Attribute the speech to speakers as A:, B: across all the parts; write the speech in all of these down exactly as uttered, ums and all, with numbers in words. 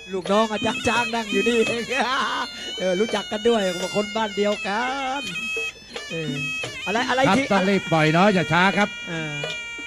A: ลูกน้องอาจารย์จ้างนั่งอยู่นี่เองเออรู้จักกันด้วยบอกคนบ้านเดียวกันเอออะไรอะไร
B: ครับ
A: ที่
B: ต้องรีบปล่อยเนาะอย่าช้าครับ
A: เออ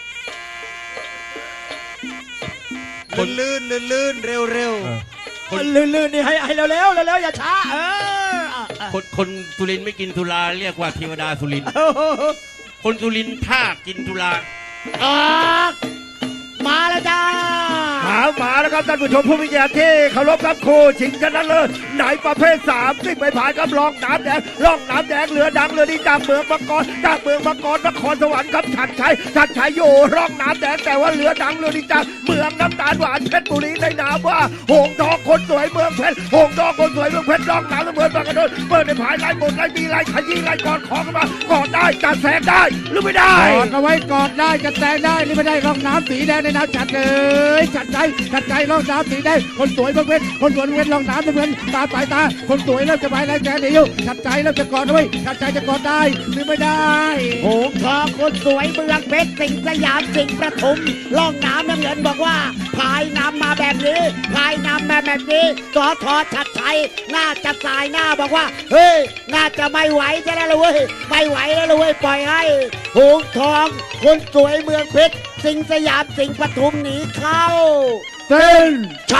C: คนลื่นลื่นลื่นเร็วเร็ว
A: คนลื่นๆนี่ให้ให้เร็วเร็วเร็วๆอย่าช้าเอออ่ะอ่ะ
C: คนคนสุรินทร์ไม่กินสุราเรียกว่าเทวดาสุรินทร์
A: โอ้โห
C: คนสุรินทร์ถ้ากินสุรา
A: ออกมาแล้วจ้า
D: หามาแล้วครับท่านผู้ชมผู้มีเกียรติที่เคารพครับครูชิงชนะเลิศไหนประเภทสามสิบใบพายครับล่องน้ำแดงล่องน้ำแดงเรือดังเรือดีจากเมืองมังกรจากเมืองมังกรนครสวรรค์ครับชัดชัยชัดชัยอยู่ร่องน้ำแดงแต่ว่าเรือดังเรือดีจากเมืองน้ำตาลหวานเพชรบุรีในนามว่าหงทองคนสวยเมืองเพชรหงทองคนสวยเมืองเพชรล่องน้ำเมืองบางกระโดดเปิดในพายไล่หมดไล่ตีไล่ขยี้ไล่กอดคอกันมากอดได้จัดแสงได้หรือไม่ได้
B: กอดเอาไว้กอดได้จะแซงได้หรือไม่ได้ร่องน้ำสีแดงในน้ำจัดเลยจัดใจจัดใจร่องน้ำสีแดงคนสวยเพื่อนคนสวยเพื่อนร่องน้ำเพื่อนตาสายตาคนสวยเริ่มจะไปแล้วแกเดียวจัดใจเริ่มจะกอดเอาไว้จัดใจจะกอดได้หรือไม่ได้
A: หงทองคนสวยเมืองเพชรสิงห์สยามสิงห์ประทุมล่องน้ำน้ำเงินบอกว่าพายนำมาแบบนี้พายนำมาแบบนี้สอทอชัดชัยน่าจะสายหน้าบอกว่าเฮ้ยน่าจะไม่ไหวจะได้เลยเว้ยไม่ไหวแล้วเลยเว้ยปล่อยให้หงทองคนสวยเมืองเพชรสิงห์สยามสิงห์ปทุมหนีเข้า
B: เต้น
A: ใช่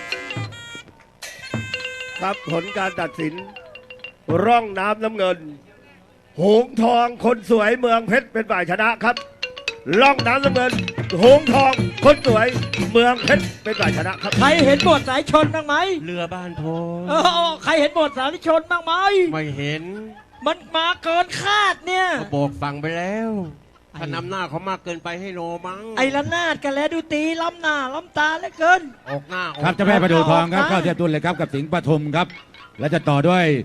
D: ครับผลการตัดสิน ร่องน้ำน้ำเงิน หงทองคนสวยเมืองเพชรเป็นฝ่ายชนะครับ ร่องน้ำน้ำเงิน หงทองคนสวยเมืองเพชรเป็นฝ่ายชนะครับ
A: ใครเห็นบทสายชนบ้างไหม
C: เรือบ้านโพ
A: เออใครเห็นบทสายชนบ้างไหม
C: ไม่เห็น
A: มันมาเกินคาดเนี่ย
C: เขาบอกฟังไปแล้วถ้านำหน้าเขามากเกินไปให้โนมั้ง
A: ไอ้ละนาดกันแล้วดูตีล้ำหน้าล้ำตาเหลือเกิน
C: ออกหน้าออก
B: ครับเจ้าแม่ประดูทองครับเข้าเทียบตุนเลยครับกับสิงห์ปทุมครับ และจะต่อด้วย